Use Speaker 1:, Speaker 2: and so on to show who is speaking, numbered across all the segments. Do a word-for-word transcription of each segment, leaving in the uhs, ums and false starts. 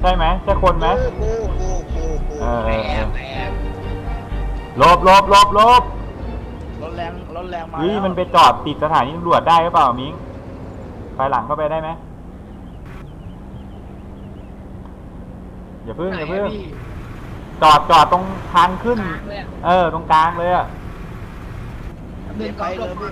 Speaker 1: ช่ไหมใช่คนไหม
Speaker 2: กูกูกูกูกู
Speaker 1: เออ
Speaker 2: แอบแอบ
Speaker 1: หลบหลบหลบหลบ
Speaker 3: รถแรงรถแรงมา
Speaker 1: นี่
Speaker 3: แล้ว
Speaker 1: มันไปจอดติดสถานีตำรวจได้หรือเปล่ามิงไปหลังเข้าไปได้ไหมอย่าพึ่งอย่าพึ่งจอดจอดตรงทางขึ้น เออตรงกลางเลยอะ
Speaker 3: เดินไปเลยพี่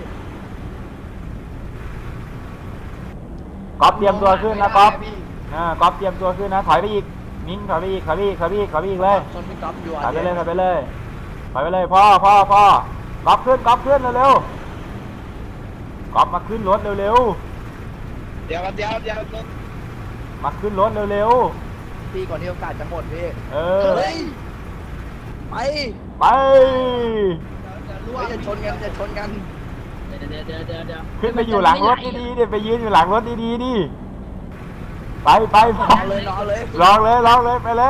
Speaker 1: ก๊อฟเตรียมตัวขึ้นนะก๊อฟอ่าก๊อฟเตรียมตัวขึ้นนะถอยไปอีกมิงถอยไปอีกถอยไปอีกถอยไปอีกถอยไปอีกเลย
Speaker 3: ชนพี่ก๊อฟอยู่
Speaker 1: ถอยไปเลยถอยไปเลยถอยไปเลยพ่อพ่อพ่อก๊อฟขึ้นก๊อฟขึ้นเร็วๆก๊อฟมาขึ้นรถเร็ว
Speaker 2: เดี๋ยวเดี๋ยวเดี๋ยวรถ
Speaker 1: ๆมาขึ้นรถเร็ว
Speaker 3: พี่ก่อนที่โอกาสจะหมดพี่
Speaker 1: ๆเออ
Speaker 3: เฮ้ยไป
Speaker 1: ไป
Speaker 3: ไม่จะชนกันจะชนกัน
Speaker 4: เดี๋ยวเดี๋ยวเดี๋ยวเดี๋ยวเดี๋ยว
Speaker 1: ขึ้นไปอยู่หลังรถดีๆดิไปยืนอยู่หลังรถดีๆดิไปไปไป
Speaker 3: นอนเลยนอนเลย
Speaker 1: ลองเลยลองเลยไปเลย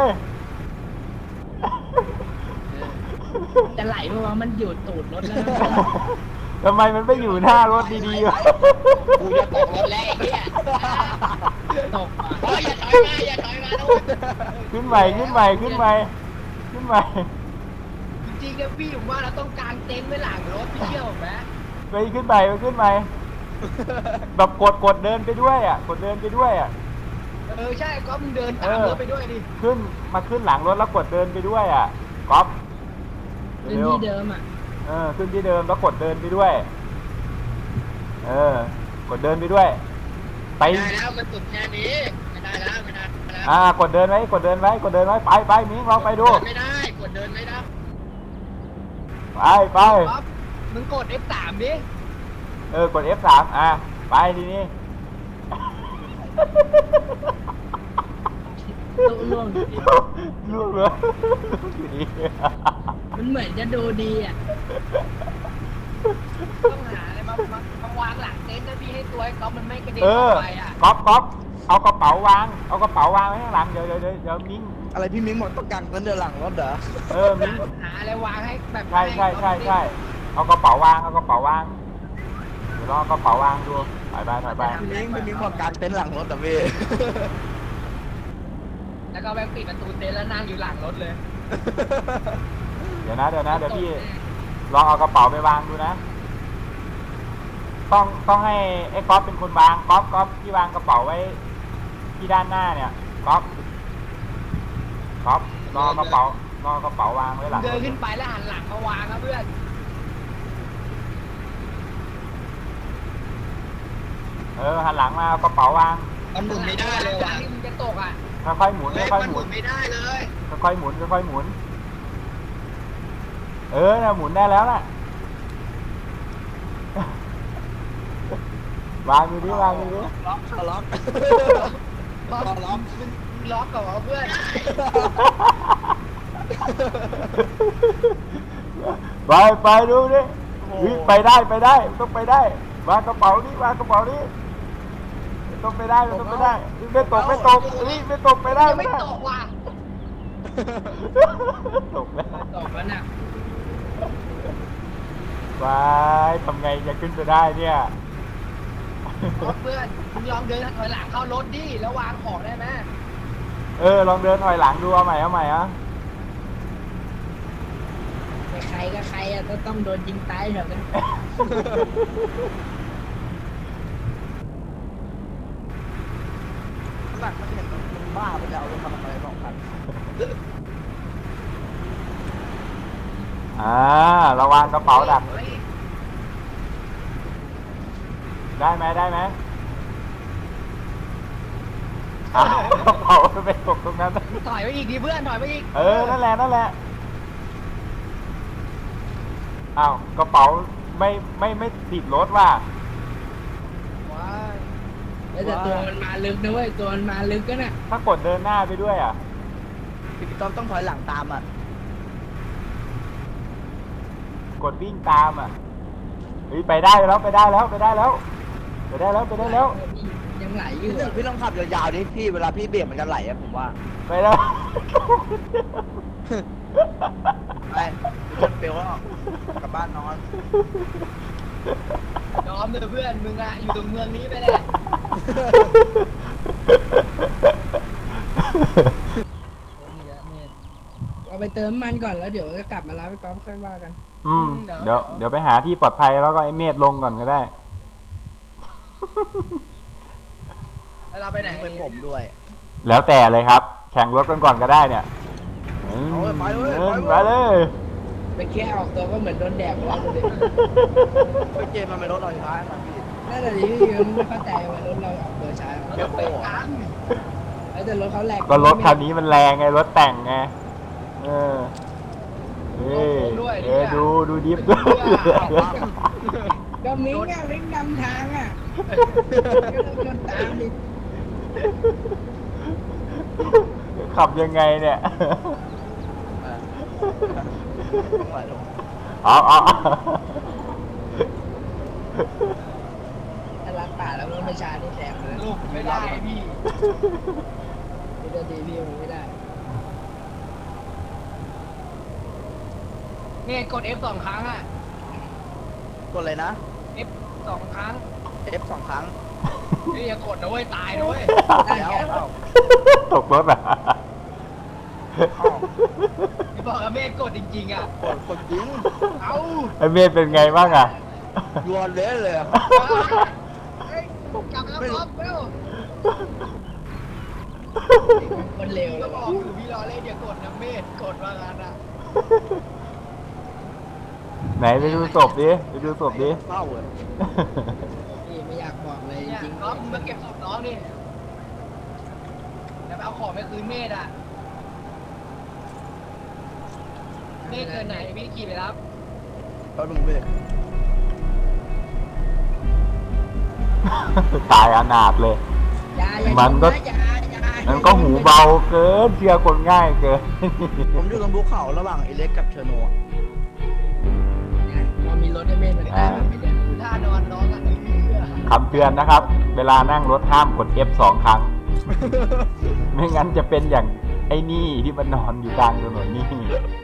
Speaker 4: จะไหลเพราะว่ามันอยู่ตูดรถแล้ว
Speaker 1: ทำไมมันไม่อยู่หน้ารถดีๆวะ
Speaker 2: กูจะตกรถแล้วไอ้เหี้ย
Speaker 4: ตกอ่ะ
Speaker 2: โอ้ยอย่าถอยมาอย่าถอยมาทุกคน
Speaker 1: ขึ้นใหม่ขึ้นใหม่ขึ้นใหม่ขึ้นใหม่
Speaker 4: จริงๆนะพี่ผมว่าเราต้องกางเต็นท์ไว้หลังรถพี่เชื่อผมไหม
Speaker 1: ไปขึ้นใหม่ไปขึ้นใหม่แบบกดกดเดินไปด้วยอ่ะกดเดินไปด้วยอ่ะ
Speaker 4: เออใช่ก็มึงเดินตามรถไปด้วยดิ
Speaker 1: ขึ้นมาขึ้นหลังรถแล้วกดเดินไปด้วยอ่ะก๊อฟ
Speaker 4: เป็น
Speaker 1: เร็ว
Speaker 4: ที่เดิมอ่ะ
Speaker 1: เออขึ้นที่เดิมแล้วกดเดินไปด้วย เออ กดเดินไปด้วย ไป
Speaker 2: ไม่ได้แล้วมันสุดแค่นี้ไม่ได้แล้วไม่ได้แล้ว
Speaker 1: อ่ากดเดินไว้กดเดินไว้กดเดินไว้ไปไปมิ้งลองไปดู
Speaker 2: ไม่ได้กดเดินไม่ได้
Speaker 1: ไปไป
Speaker 4: ป๊อปมึงกด เอฟ สาม ดิ
Speaker 1: เออกด เอฟ สาม อ่ะไปทีนี้
Speaker 4: ต้องล่วงดิ
Speaker 1: ลูกเลยอยู่ดี
Speaker 4: มันเหมือนจะดูดีอ่ะต้องหาอะไรมามามาวางหลังเต็นท์นะพี่ให้ตัวไอ้ก๊อฟมันไม่กระเด็น
Speaker 1: เอ
Speaker 4: อ
Speaker 1: อ
Speaker 4: อกไปอ่ะ
Speaker 1: ก๊อฟก๊อฟเอากระเป๋าวางเอากระเป๋าวางไว้ข้างหลังเดี๋ยวเดี๋ยวเดี๋ยวเดี๋ยวมิ้ง
Speaker 3: อะไรพี่มิ้งหมดต้องกังกันเดินหลังรถเหรอ
Speaker 1: เออมิ้ง
Speaker 4: หาอะไรวางให้แบบ
Speaker 1: ใช่ใช่ใช่ใช่เอากระเป๋าวางเอากระเป๋าวางเดี๋ยวลองเอากระเป๋าวางดูถอยไปถอยไป
Speaker 3: พี่มิ้งพี่มิ้งหมดกางเต็นท์หลังรถแต่พี่
Speaker 4: แล้วก็แบงปิดประตูเต็นท์แล้วนั่งอยู่หลังรถเลย
Speaker 1: เดี๋ยวนะเดี๋ยวนะเดี๋ยวพี่ลองเอากระเป๋าไปวางดูนะ ต้องต้องให้ไอ้ก๊อฟเป็นคนวางก๊อฟก๊อฟที่วางกระเป๋าไว้ ที่ด้านหน้าเนี่ยก๊อฟก๊อฟลองเอากระเป๋าลองเอากระเป๋าวางไว้หลัง
Speaker 4: เดินขึ้นไปแล้วหันหลังมาวางครับเพื่อน
Speaker 1: เออหันหลังมาเอากระเป๋าวาง
Speaker 2: มันหมุนไม่ได้เลย
Speaker 4: จา
Speaker 2: ว่ะ
Speaker 4: กที่มึงจะตกอ่ะ
Speaker 1: ค่อยๆหมุน
Speaker 2: เฮ้ย
Speaker 1: ค่อย
Speaker 2: มัน
Speaker 1: ๆห
Speaker 2: ห
Speaker 1: มุ
Speaker 2: มุ
Speaker 1: น
Speaker 2: นไม่ได้เลย
Speaker 1: ค่อยๆหมุนค่อยๆหมุน เออนะหมุนได้แล้วน่ะ วางดูดิวางดูดิ
Speaker 3: ล็อกล็อก
Speaker 4: ล็อกล็อกมึงล็อกก่อนเพื่อน
Speaker 1: ไปไปดูดิเฮ้ยไปได้ไปได้ต้องไปได้วางกระเป๋านี่วางกระเป๋านี่ต้องไปได้ต้องไปได้ไม่ตกไม่ตกเฮ้ยไม่ตกไปได้
Speaker 4: ไม่
Speaker 1: ไม่ได้
Speaker 4: ตกว่ะ
Speaker 1: ตกแล้ว
Speaker 4: ตกแล้วน่ะ
Speaker 1: ไปทำไงจะขึ้นไปได้เนี่ย
Speaker 4: เพื่อนมึงลองเดินถอยหลังเข้ารถดิแล้ววางของได้ไหม
Speaker 1: เออลองเดินถอยหลังดูเอาใหม่เอาใหม่อ่ะ
Speaker 4: ใครก็ใครอ่ะก็ต้องโดนยิงตายเถอะกัน
Speaker 3: หลังมันเห็นมันบ้าไปจะเอารถมาทำอะไรสองคัน
Speaker 1: อ่าระวังกระเป๋าดัก
Speaker 4: ฮ้ย
Speaker 1: ได้ไหมได้ไหมอ้าวกระเป๋าไปตกตรงนั้น
Speaker 4: ถอยไปอีกดิเพื่อนถอยไปอีก
Speaker 1: เออนั่นแหละนั่นแหละอ้าวกระเป๋าไม่ไม่ไม่ติดรถว่ะ
Speaker 4: ว้ายแต่ตัวมันมาลึกนะเว้ยตัวมันมาลึกก็น่ะ
Speaker 1: ถ้ากดเดินหน้าไปด้วยอ่ะ
Speaker 3: พี่ก๊อฟต้องถอยหลังตามอ่ะ
Speaker 1: กดวิ่งตามอ่ะเฮ้ยไปได้แล้วไปได้แล้วไปได้แล้วไปได้แล้วไปได้แล้ว
Speaker 4: ยังไหลอยู่
Speaker 3: พี่พี่ต้องขับยาวๆดิพี่เวลาพี่เบี่ยงมันจะไหลอะผมว่า
Speaker 1: ไปแล้ว
Speaker 3: ไปจนเปลวแล้วกลับบ้านนอน
Speaker 4: ยอมเลยเพื่อนมึงอะอยู่ตรงเมืองนี้ไปแหละเอาไปเติมน้ำมันก่อนแล้วเดี๋ยวจะกลับมารับไปก๊อฟค่อยว่ากัน
Speaker 1: อืมเดี๋ยวเดี๋ยวไปหาที่ปลอดภัยแล้วก็ไอ้เมธลงก่อนก็ได้
Speaker 3: แล้วเราไปไหนเป็นผมด้วย
Speaker 1: แล้วแต่เลยครับ แข่งรถกันก่อนก็ได้เนี่ยอืม
Speaker 3: เอาเลยไปเลย
Speaker 1: เออ
Speaker 3: ไปเลย
Speaker 1: ไปเลย
Speaker 4: ไปแค่ออกตัวก็เหมือนโดนแดดร้อนเลย
Speaker 3: ไปเกมมันเป็นรถลอยฟ้าครับพี่
Speaker 4: นั่นแหละที่พี่ไม่เข้าใจว่ารถเราออกตัวช้า
Speaker 3: เดี๋ยวโป้อะ
Speaker 4: แต่รถเขาแหลก
Speaker 1: ก็รถคันนี้มันแรงไงรถแต่งไงเออเออเออดูดูดิฟด้วย
Speaker 4: ก็มิ้งอ่ะมิ้งนำทางอ่ะก็ต้องชนตามดิ
Speaker 1: ขับยังไงเนี่ย
Speaker 3: ปล่อยลง
Speaker 1: เอาเอาเอา
Speaker 4: ถ้ารักป่าแล้วมันไม่ช้านี่แซงเลย
Speaker 2: ลูกไม่ได้พี่
Speaker 4: พี่จะดีพี่มันไม่ได้
Speaker 2: เนี่ยกด F สองครั้งอ่ะ
Speaker 3: กดเลยนะ
Speaker 2: F สองครั้ง
Speaker 3: F สองครั้ง
Speaker 2: นี่อย่ากดนะเว้ยตายนะเว้ย
Speaker 3: แล้วเอ้า
Speaker 1: ตกรถอ่ะ
Speaker 2: พี่บอกกับเมฆกดจริงๆอ่ะ
Speaker 3: กดกดยิง
Speaker 2: เอ้า
Speaker 1: ไอ้เมธเป็นไงบ้างอ่ะ
Speaker 3: ยวนเละเลยอะ
Speaker 2: เฮ้ยกลับแล้วครับเร็ว
Speaker 4: คนเร็วเล
Speaker 2: ก็
Speaker 4: ย
Speaker 2: บ
Speaker 4: ว่ะ
Speaker 2: อกอยู่พี่รอเล่นอย่ากดนะเมฆกดว่างั้นอ่ะ
Speaker 1: ไหนไปดูศพดิไปดูศพดิ
Speaker 3: เศร้าเลย
Speaker 4: พี่ไม่อยากบอกเลยจ
Speaker 2: เนี่ย
Speaker 4: ริงๆ
Speaker 2: น้องมึงมาเก็บศพน้องดิเดี๋ยวไปเอาของไปคืนเมธอ่ะเมฆเกินไหนพี่ขี่ไปรับ
Speaker 3: ก็มึงเว้ย
Speaker 1: ตายอนาถเลย
Speaker 4: อย่าอย่า
Speaker 1: มันก็
Speaker 4: อย่าอย่า
Speaker 1: มันก็หูเบาเกินเชื่อคนง่ายเกิน
Speaker 3: ผมอยู่ตรงภูเขาระหว่างเอเล็กกับเชอร์โนอะ
Speaker 4: พอมีรถให้เมธมันได้มันไม่ได้
Speaker 2: ดูท่านอนน้องอ่ะ
Speaker 1: คำเตือนนะครับ เวลานั่งรถห้ามกด F สองครั้ง ไม่งั้นจะเป็นอย่างไอ้นี่ที่มันนอนอยู่กลางถนนนี่